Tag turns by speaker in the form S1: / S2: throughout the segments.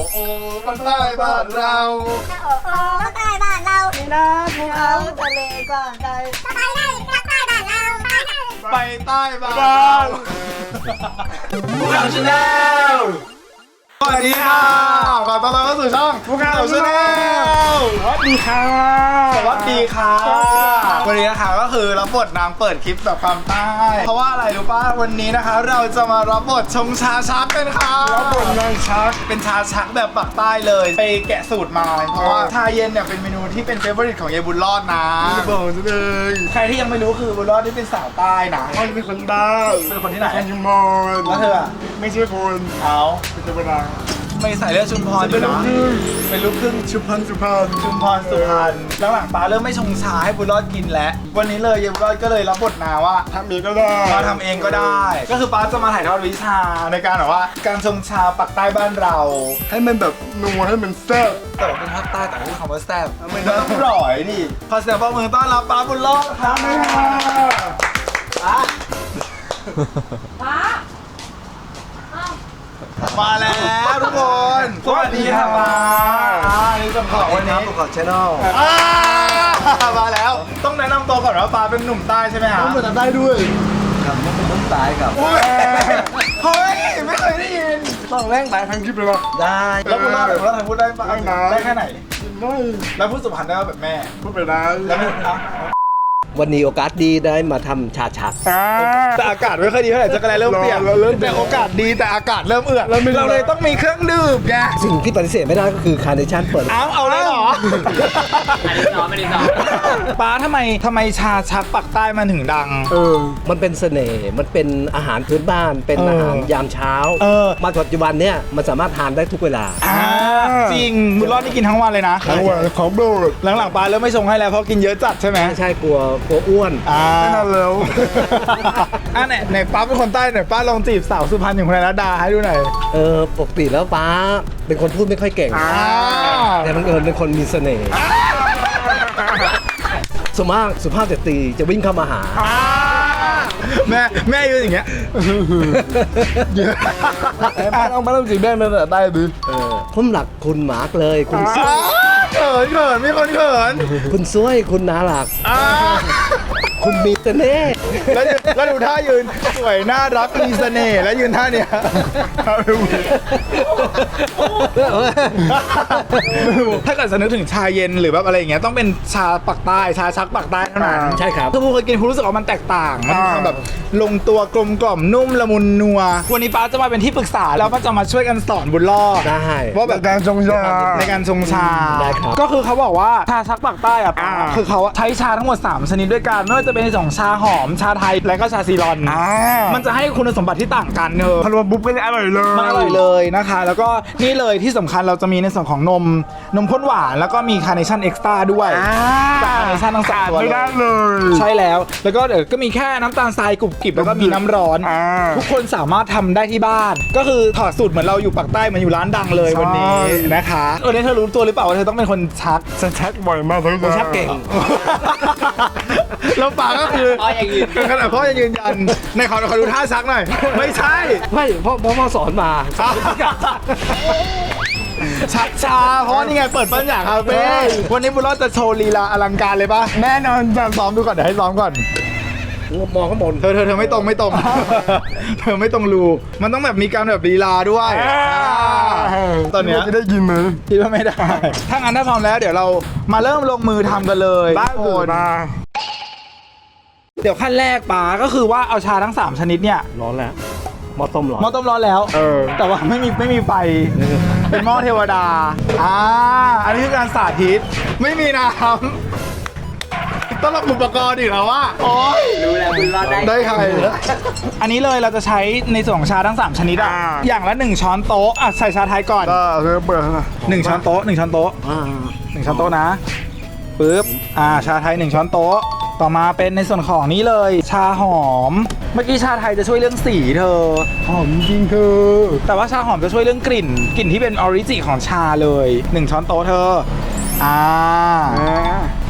S1: โอ้ภาคใต้บ้านเรา
S2: โอ้โอ้ภาคใต้บ้านเรา
S3: นี่นะภูเขาทะเลกว้างไกล
S2: ไปได้ภาคใต้บ้านเรา
S1: ไปใต้บ้านเราภูเขาชาแนลสวัสดีค่ะขอต้อนรับเข้าสู่ช่องภูเขาชาแนล
S3: สวัสดีค่ะ
S1: สวัสดีค่ะวันนี้นะคะก็คือรับบทนางเปิดคลิปแบบความใต้เพราะว่าอะไรรู้ป่ะวันนี้นะคะเราจะมารับบทชงชาชักกันค่ะ
S3: รับบทนางชัก
S1: เป็นชาชักแบบปักใต้เลยไปแกะสูตรมาเพราะว่าชาเย็นเนี่ยเป็นเมนูที่เป็นเฟเวอร์ริตของยายบุญรอดนะ
S3: บอกจะเลย
S1: ใครที่ยังไม่รู้คือบุญรอดที่เป็นสาวใต้นะ
S3: เขาเป็นคนบ้า
S1: เป็นคนที่ไหน
S3: เป็นชุมพร
S1: แล้วเธออะ
S3: ไม่ใช่คน
S1: เอา
S3: เป็นธรรมดา
S1: ไม่ใส่เลือดชุมพรอยู่นะเป็นลูกครึ่ง
S3: ชุมพรสุพรรณ
S1: ชุมพรสุพรรณแล้วหลังป้าเริ่มไม่ชงชาให้บุญรอดกินแล้ววันนี้เลยยายบุญรอดก็เลยรับบทนาว่า
S3: ทำเองก็ได้
S1: มาทำเองก็ได้ ก็คือป้าจะมาถ่ายทอดวิชาในการแบบว่าการชงชาปักใต้บ้านเรา
S3: ให้มันแบบนัวให้มันแซ่บ
S1: แต่ว่าเป็นภาคใต้แต่ไม่ใช่คำว่าแซ่บมันต้องอร่อยดิขอเสียงปรบมือต้อนรับป้าบุญรอดครับมาแล้วทุกคนสวัสดีครับป้านี่จำของวันนี้
S3: ขอชแนล
S1: มาแล้วต้องแนะนำตัวก่อนว่าป้าเป็นหนุ่มใต้ใช่ไหมฮะ
S3: ต้องมาทำได้ด้วย
S4: ครับมันเป็นต้นสายครับ
S1: อุ๊ยเฮ้ยไม่เคยได้ยิน
S3: ต้องแรงตายทั้งคลิปเลยนะ
S4: ได้
S1: แล้วคุณเล่าหน่อยว่าทางพูดได้ปะ
S3: ได้นะ
S1: ได้แค่ไหน
S3: ได้
S1: แล้วพูดสุพรรณได้ว่าแบบแม่
S3: พูดไปได้
S1: แล้วพูดอ่ะ
S4: วันนี้โอกาสดีได้มาทำชาชัก
S1: แต่อากาศไม่ค่อยดีเท่าไหร่จะกระไรเริ่มเปลี่ยนแต่โอกาสดีแต่อากาศเริ่มเอือดเราเลยต้องมีเครื่องดื่มไง
S4: สิ่งที่ปฏิเสธไม่ได้ก็คือคาร์เนชั่นเปิด
S1: เอาเลยเหรออันนี้น้องไม่ได้น้องป้าทำไมชาชักปักใต้มันถึงดัง
S4: มันเป็นเสน่ห์มันเป็นอาหารพื้นบ้าน เป็นอาหารยามเช้า มาปัจจุบันเนี่ยมันสามารถทานได้ทุกเวลา
S1: จริงบุญรอดนี่กินทั้งวันเลยนะ
S3: ทั้งวันของโดด
S1: หลังๆป้าเริ่มไม่ชงให้แล้วเพราะกินเยอะจัดใช่ไหม
S4: ไม่ใช่กลัวอ้วน
S3: ไม่นานแล้ว
S1: ไหนป้าเป็นคนใต้ไหนป้าลองจีบสาวสุพรรณอย่างคุณรัตดาให้ดูหน่อย
S4: ปกติแล้วป้าเป็นคนพูดไม่ค่อยเก่ง แต่บังเอิญเป็นคนมีเสน่ห์ส่วนมากสุภาพสตรีจะวิ่งเข้ามาหา
S1: แม่ยืนอย่างเงี้ย
S3: ไม่ต้องจีบแม่ไม่ได้ดิ
S4: ผมหลักคุณหมากเลยคุณ
S1: เขินมีคนเขิน
S4: คุณซวยคุณนาหลัก คุณมีเสน่ห์
S1: แล้วดูท่ายืนสวยน่ารักมีเสน่ห์แล้วยืนท่าเนี้ยถ้าเกิดจะนึกถึงชาเย็นหรือแบบอะไรอย่างเงี้ยต้องเป็นชาปักใต้ชาชักปักใต้เท่านั้น
S4: ใช่ครับ
S1: ถ้าผู้เคยกินคุณรู้สึกว่ามันแตกต่างมันมีความแบบลงตัวกลมกล่อมนุ่มละมุนนัววันนี้ป้าจะมาเป็นที่ปรึกษาแล้วก็จะมาช่วยกันสอนบุญรอด
S4: ได้
S1: ว่าแบบ
S3: การชงชา
S1: ในการชงชา
S4: ได้ครับ
S1: ก็คือเขาบอกว่าชาชักปักใต้อะป้าคือเขาใช้ชาทั้งหมด3ชนิดด้วยกันไม่ว่าจะเป็นของชาหอมชาไทยและก็ชาซีรอนมันจะให้คุณสมบัติที่ต่างกันเนอะ
S3: พอรวมปุ๊บก็จะอร่อยเลย
S1: มันอร่อยเลยนะคะ แล้วก็นี่เลยที่สำคัญเราจะมีในส่วนของนมข้นหวานแล้วก็มีคาร์เนชั่นเอ็กซ์ตร้าด้วยคาร์เนชั่นทั้งสามตัว
S3: ไม่ได้เลย
S1: ใช่แล้วแล้วก็เดี๋ยวก็มีแค่น้ำตาลทรายกรุบกริบแล้วก็มีน้ำร้อน ทุกคนสามารถทำได้ที่บ้าน ก็คือถอดสูตรเหมือนเราอยู่ปากใต้เหมือนอยู่ร้านดังเลยวันนี้นะคะวันนี้เธอรู้ตัวหรือเปล่าว่าเธอต้องเป็นคนชัก
S3: ฉันชักบ่อยมากทั้ง
S4: ชักเก่ง
S1: แล้วปากก็คือพ่อยังยืนขนาดพ่อยังยืนยันในขอดูท่าชักหน่อยไม่ใช่
S4: ไม่เพราะพ่อสอนมา
S1: ชักชาเพราะว่านี่ไงเปิดปัญญาคาเฟ่วันนี้บุญรอดจะโชว์ลีลาอลังการเลยปะ
S3: แน่นอนแบบ
S1: ซ้อมดูก่อนเดี๋ยวให้ซ้อมก่อน
S4: มองข้างบน
S1: เธอไม่ตรง เธอไม่ตรงรูมันต้องแบบมีการแบบลีลาด้วยตอนเนี้ย
S3: จะได้ยินไหม
S1: คิดว่าไม่ได้ ถ้างั้นถ้าพร้อมแล้วเดี๋ยวเรามาเริ่มลงมือทำกันเลยทุกคน
S3: มา
S1: เดี๋ยวขั้นแรกป๋าก็คือว่าเอาชาทั้ง3ชนิดเนี่ย
S4: ร้อนแล้วหม้อต้มร้อน
S1: หม้อต้มร้อนแล้วแต่ว่าไม่มีไฟเป็นหม้อเทวดาอันนี้คือการสาธิตไม่มีน้ำต้องรับอุปกรณ์อีกแล้วว่าโอ๊ย
S4: รู้แล้วคุณรอดได้
S1: ได้ใครอันนี้เลยเราจะใช้ในส่วนของชาทั้ง3ชนิดอย่างละ1ช้อนโต๊ะใส่ชาไทยก่อน
S3: ก็เริ่มเปิดนะ
S1: 1ช้อนโต๊ะ1ช้อนโต๊ะ1ช้อนโต๊ะนะปึ๊บชาไทย1ช้อนโต๊ะต่อมาเป็นในส่วนของนี้เลยชาหอมเมื่อกี้ชาไทยจะช่วยเรื่องสีเธอ
S3: หอมจริงคือ
S1: แต่ว่าชาหอมจะช่วยเรื่องกลิ่นที่เป็นออริจิของชาเลย1ช้อนโต๊ะเธอ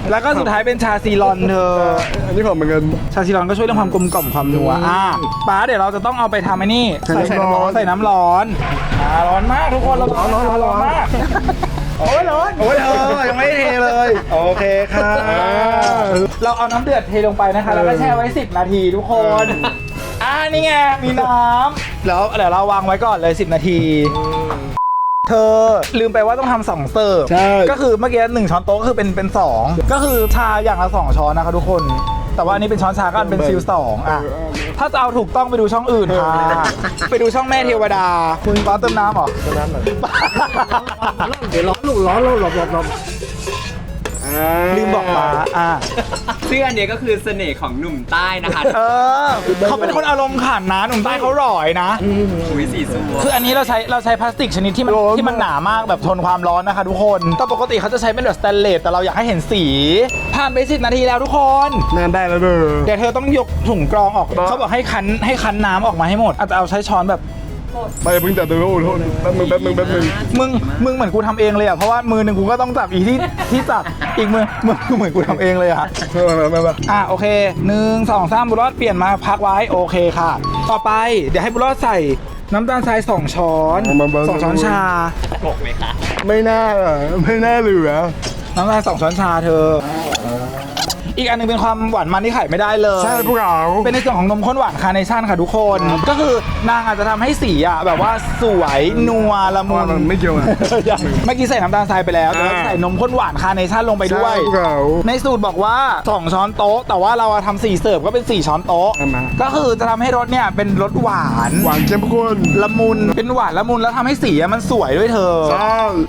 S1: แล้วก็สุดท้ายเป็นชาซีรอนเธอ
S3: อันนี้ของเหมือนกัน
S1: ชาซีรอนก็ช่วยเรื่องความกลมกล่อมความนัวป้าเดี๋ยวเราจะต้องเอาไปทำไอ้นี่ใส่น้ำร้อนร้อนมากทุกคนเราร้อนมากโอ้ยร้อนโอ้ยยังไม่เทเลยโอเคค่ะเราเอาน้ำเดือดเทลงไปนะคะแล้วก็แช่ไว้10 นาทีทุกคนนี่ไงมีน้ำแล้วเดี๋ยวเราวางไว้ก่อนเลย10 นาทีเธอลืมไปว่าต้องทำ2 เสิร์ฟ
S3: ใช่
S1: ก็คือเมื่อกี้1 ช้อนโต๊ะก็คือเป็น2ก็คือชาอย่างละ2 ช้อนนะคะทุกคนแต่ว่าอันนี้เป็นช้อนชาก็เป็นฟิล2ถ้าจะเอาถูกต้องไปดูช่องอื่นค่ะไปดูช่องแม่เทวดาคุณป้าเติมน้ำเหรอ
S4: เท่านั้นเลยเดี๋ยวร้อนลูกร้อนแล้วหลบ
S1: ลืมบอกป้า
S5: ซึ่งอันเนี้ยก็คือเสน่ห์ของหนุ่มใต้นะคะ
S1: เขาเป็นคนอารมณ์ขันนะหนุ่มใต้เขาหล่อยนะ
S5: อุ้ยสีสัว
S1: คืออันนี้เราใช้พลาสติกชนิดที่มันหนามากแบบทนความร้อนนะคะทุกคนแต่ปกติเขาจะใช้เป็นแบบสแตนเลสแต่เราอยากให้เห็นสีผ่านไป10 นาทีแล้วทุกคน
S3: นานได้แล้วเด้อ
S1: เดี๋ยวเธอต้องยกถุงกรองออกเขาบอกให้คั้นน้ำออกมาให้หมดอาจจะเอาใช้ช้อนแบบ
S3: ไปเพิ่งจับตัวโทษแป๊บนึง
S1: มึงเหมือนกูทำเองเลยอ่ะเพราะว่ามือหนึ่งกูก็ต้องจับอีที่จับอีกมือเหมือนกูทำเองเลยอ่ะ
S3: มา
S1: โอเค1 2 3บุญรอดเปลี่ยนมาพักไว้โอเคค่ะ ต่อไปเดี๋ยวให้บุญรอดใส่น้ำตาลทราย2 ช้อน2 ช้อนชา
S5: ปกไหมคะ
S3: ไม่น่าเหลือ
S1: น้ำตาล2 ช้อนชาเธออีกอันนึงเป็นความหวานมันที่ไข่ไม่ได้เลย
S3: ใช่พวกเรา
S1: เป็นในส่วนของนมข้นหวานคาร์เนชั่นค่ะทุกคน ก็คือนางอาจจะทำให้สีอ่ะแบบว่าสวยนัวละมุน
S3: มันไม่เกี่ยวนะ
S1: เมื่อกี้ใส่น้ำตาลทรายไปแล้วแต่ว่าใส่นมข้นหวานคาร์เนชั่นลงไปด้วย
S3: ใช่พวกเรา
S1: ในสูตรบอกว่า2 ช้อนโต๊ะแต่ว่าเราทำ4 เสิร์ฟก็เป็น4 ช้อนโต๊ะ
S3: เอามา
S1: ก็คือจะทำให้รสเนี่ยเป็นรสหวาน
S3: หวานเข้มข้น
S1: ละมุนเป็นหวานละมุนแล้วทำให้สีอะมันสวยด้วยเธอ
S3: ใช่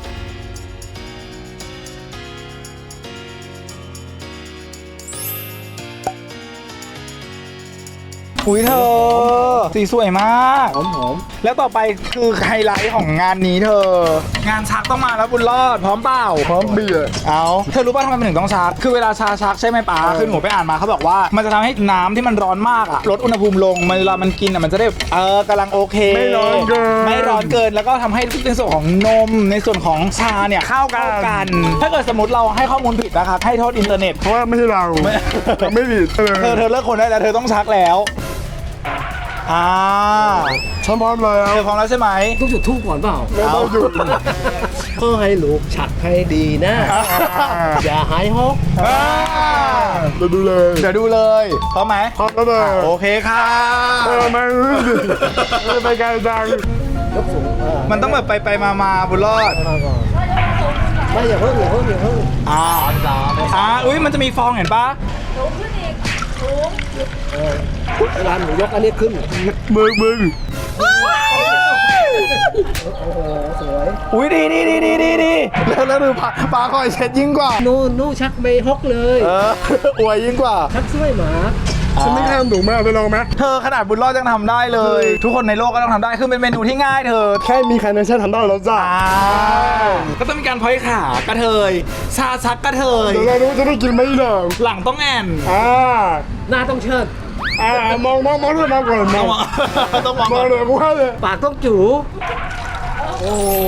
S1: อุ้ยเธอสีสวยมาก
S4: หอม
S1: แล้วต่อไปคือไฮไลท์ของงานนี้เธอ งานชักต้องมาแล้วบุญรอดพร้อมเปล่า
S3: พร้อมเบียร์
S1: เอาเธอรู้ป่ะทำไมมันถึงต้องชักคือเวลาชาชักใช่ไหมป๋าคือหนูไปอ่านมาเขาบอกว่ามันจะทำให้น้ำที่มันร้อนมากอะลดอุณหภูมิลงเวลามันกินอะมันจะได้กำลังโอเค
S3: ไม่ร้อนเกิน
S1: ไม่ร้อนเกินแล้วก็ทำให้ในส่วนของนมในส่วนของชาเนี่ยเข้ากัน ถ้าเกิดสมมติเราให้ข้อมูลผิดนะคะให้โทษอินเทอร์เน็ต
S3: เพราะว่าไม่ใช่เราไม่ผิด
S1: เธอเลิกคนได้แล้วเธอต้องชักแล้ว
S3: ฉันพร้อมแล้ว
S1: เธอพร้อมแล้วใช่ไหม
S4: ต้องจุดทูบก่อนเปล่า
S3: ไม่ต้องหยุด
S4: ก็ให้ลูกฉักให้ดีนะ อย่าหายฮอก
S3: เราดูเลย
S1: เดี๋ยวดูเลยพร้อมไหม
S3: พร้อมแล้วเลย
S1: โอเคค่ะ
S3: ไม่ไปไกลจัง
S4: ยกสูง
S1: มันต้องแบบไปมาบุญรอด
S4: ไม่อย่าเพิ่ง
S1: อุ้ยมันจะมีฟองเห็นปะ
S4: เวลาหนูยกอันนี้ขึ้น
S3: มึง
S4: สวย
S1: อุ้ยดีแล้วดูปลาคอยเช็ดยิ่งกว่า
S4: นู่ชักไม่ฮอกเลย
S1: อวยยิ่งกว่า
S4: ชักสวยหมา
S3: ฉันไม่ทำถูกมากไปลองไหม
S1: เธอขนาดบุญรอดยังทำได้เลย ทุกคนในโลกก็ต้องทำได้คือเป็นเมนูที่ง่ายเธอ
S3: แค่มีคาร์เนชั่นทำได้แล้วจ้า
S1: ก็ต้องมีการพ้อยขากระเทยชาชักกระเทย
S3: เดี๋ยวเรารู้จะได้กินไหมหรอ
S1: หลังต้องแอน
S4: หน้าต้องเชิด
S3: มองด้วยมาก่อนมอง
S1: ต้องมอง
S3: มองเลยกูว่าเลย
S4: ปากต้องจูโอ้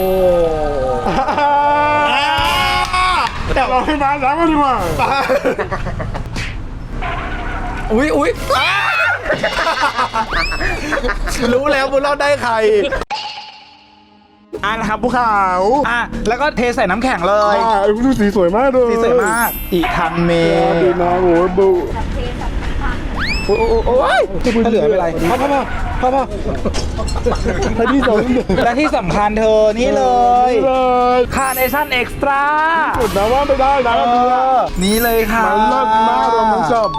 S3: แต่เราให้มาล้างกันดีกว่า
S1: อุ้ยรู้แล้วบุญรอดได้ใครนะครับภูเขาแล้วก็เทใส่น้ำแข็งเลย
S3: ไอ้ผู้สีสวยมากเลย
S1: สีสวยมากอีทันเม
S3: ดีนะโอ้ยบู
S1: โอ้ยถ้าเหลือไม่เป็นไรพ่อ
S3: ให้ที่สอง
S1: และที่สำคัญเธอนี่เลย
S3: เลย
S1: คาร์เนชั่นเอ็กซ์ตร้า
S3: สุดนะว่าไม่ได้นะ
S1: นี่เลยค่ะ
S3: มันเลิศมากเรามันชอบ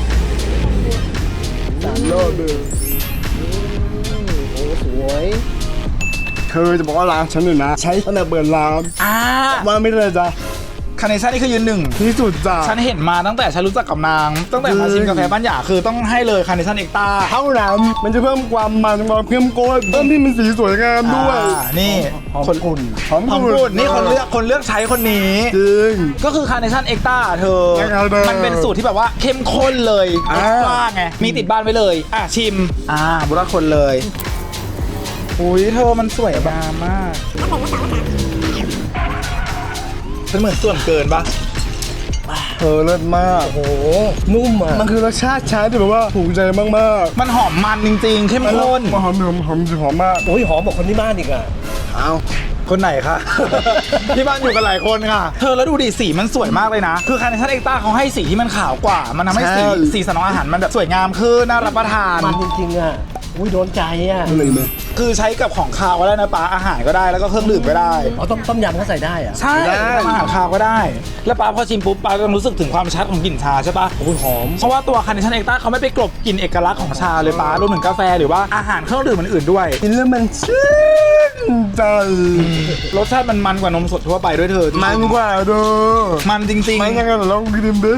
S3: เลิศเลย
S4: โหสวย
S3: เธอจะบอกว่าร้านฉันเนี่ยนะ ใช้ตั้งแต่เปิดร้านว่าไม่ได้จ้ะ
S1: คาร์เนชั่นนี่คือยืนหนึ่ง
S3: ที่สุดจ้ะ
S1: ฉันเห็นมาตั้งแต่ฉันรู้จักกับนางตั้งแต่มาชิมกาแฟบ้านหยาคือต้องให้เลยคาร์เนชั่นเอ็กซ์ตร้า
S3: เท่านั้นมันจะเพิ่มความมันความเข้มข้นเพิ่มที่มันสีสวยงามด้วย
S1: นี่
S3: คนอุ่นหอม
S1: หอม
S3: กุ่
S1: กุ่
S3: น
S1: นนี่คนเลือกใช้คนนี้
S3: จริง
S1: ก็คือคาร์เนชั่นเอ็กซ์ตร้าเธอ
S3: ยังไงเธอ
S1: มันเป็นสูตรที่แบบว่าเข้มข้นเลยเอ็กซ์ตร้าไงมีติดบ้านไว้เลยชิมบุรุษคนเลยอุ้ยเธอมันสวยงามมากฉันเหมือนส่วนเกินปะ
S3: เธอเลิศมาก
S4: โอ้โหนุ่มอ่ะ
S3: มันคือรสชาติชาที่แบบว่าถูกใจมาก
S1: มันหอมมันจริงๆเข้ม
S3: ๆ
S1: ข้น
S3: มันหอมหอมมาก
S4: โอ้ยหอมกว่าคนที่บ้านอีกอ่ะ
S3: เอา
S1: คนไหนคะ ที่บ้านอยู่กันหลายคนค่ะ เธอแล้วดูดิสีมันสวยมากเลยนะ คือคาร์เนชั่นเอ็กต้าเขาให้สีที่มันขาวกว่า มันทำให้สีสันของอาหารมันแบบสวยงามขึ้นน่ารับประทาน
S4: มันจริงๆอ่ะอุ้ยโดนใจอ่ะ
S3: อะไรไหม
S1: คือใช้กับของคาวก็ได้นะป้าอาหารก็ได้แล้วก็เครื่องดื่มก็ได้
S4: อ๋อต้มยำก็ใส่ได้อ่ะ
S1: ใช่ทำอาหารคาวก็ได้ แล้วป้าพอชิมปุ๊บป้าจะรู้สึกถึงความชัดของกลิ่นชาใช่ปะ
S4: โอ้ยหอม
S1: เพราะว่าตัวคาร์เนชั่นเอ็กต้าเขาไม่ไปกลบกลิ่นเอกลักษณ์ของชาเลยป้ารวมถึงกาแฟหรือว่าอาหารเครื่องดื่มอื่นๆด้วย
S3: กินแล้วมันชื่นใจ
S1: รสชาติมันกว่านมสดทั่วไปด้วยเธอ
S3: มันกว่าเด้อ
S1: มันจริง
S3: มันยังไงลองกินดิ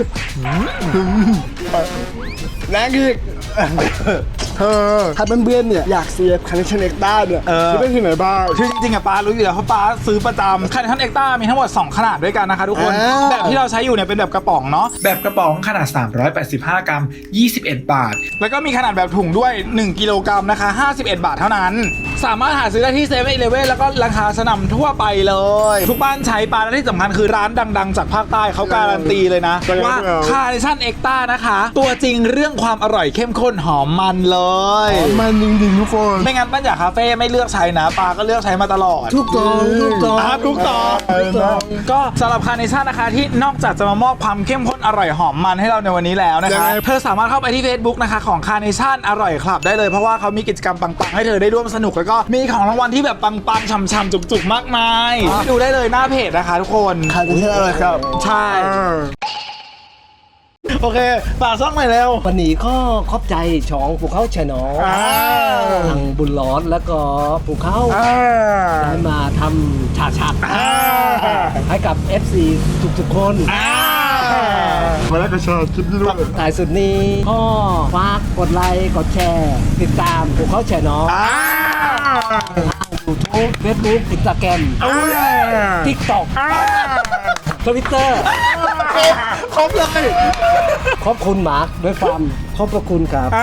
S3: แรงอีกเธอถ้าเพื่อนๆเนี่ยอยากเสียคันเนชั่นเอ็กต้าเนี่ยจะได้ที่ไหนบ้าง
S1: คือจริงๆอะป้ารู้อยู่แล้วเพราะป้าซื้อประจำคาร์เนชั่นเอ็กต้ามีทั้งหมด 2 ขนาดด้วยกันนะคะทุกคน แบบที่เราใช้อยู่เนี่ยเป็นแบบกระป๋องเนาะแบบกระป๋องขนาด 385 กรัม 21 บาท แล้วก็มีขนาดแบบถุงด้วย 1 กิโลกรัมนะคะ 51 บาทเท่านั้น สามารถหาซื้อได้ที่เซเว่นอีเลฟเว่นแล้วก็ราคาสนั่นทั่วไปเลย ทุกบ้านใช้ปลาและที่สำคัญคือร้านดังๆ จากภาคใต้เขาการันตีเลยนะว่าคาร์เนชั่นเอ็กต้านะคะ ตัวจริงเรื่องความอร่อยเข้มข้นหอมมันเลย
S3: มันจริงๆทุกคน
S1: ไม่งั้นป้าอยากคาเฟ่ไม่เลือกใช้นะปลาก็เลือกใช้มาตลอด
S4: ทุกตองทุกตอง
S1: ทุกต่อก็สำหรับคาร์เนชั่นนะคะที่นอกจากจะมามอบความเข้มข้นอร่อยหอมมันให้เราในวันนี้แล้วนะคะเธอสามารถเข้าไปที่ Facebook นะคะของคาร์เนชั่นอร่อยคลับได้เลยเพราะว่าเขามีกิจกรรมปังๆให้เธอได้ร่วมสนุกแล้วก็มีของรางวัลที่แบบปังๆช่ำๆจุกๆมากมายดูได้เลยหน้าเพจนะคะทุกคน
S3: คันเนชั่นอะไรครับ
S1: ใช่โอเคฝากซ่องหน่อยเร็ว
S4: วันนี้ก็ขอบใจช่องภูเขาแชนอลทางบุญร้อนแล้วก็ภูเขาได้มาทำฉาชัดให้กับ FC ทุกๆคน
S3: มาแล้วก็ชอบคลิปนี้ด้วย
S4: ท้ายสุดนี้ก็ฝากกดไลค์กดแชร์ติดตามภูเขาแชนอลยูทูบเฟซบุ๊กอินสตาแกรมทิกตอกทวิตเตอร์
S1: ครบเลย
S4: ขอบคุณมาร์คด้วยความขอบพระคุณครับ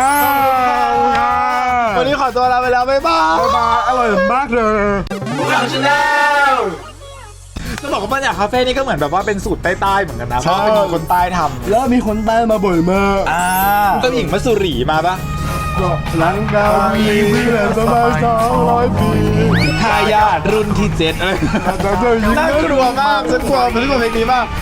S1: วันนี้ขอตัวลาไปแล้วบ๊ายบาย
S3: อร่อยมากเลย
S1: เราชนะจะบอกว่าบรรยากาศคาเฟ่นี่ก็เหมือนแบบว่าเป็นสูตรใต้ๆเหมือนกันนะเพราะว่าเป็นคนใต้ทำ
S3: แล้วมีคนใต้มาบ่อยมาก
S1: เจ้าหญิงมัสสุรีมาปะ
S3: หลังดาวมีเพื่อนประมาณ200 ปี
S1: ทายาทรุ่นที่7อะไร
S3: แต่เจ้าหญิง
S1: น่ากลัวมากฉันกลัวเพลงนี้มาก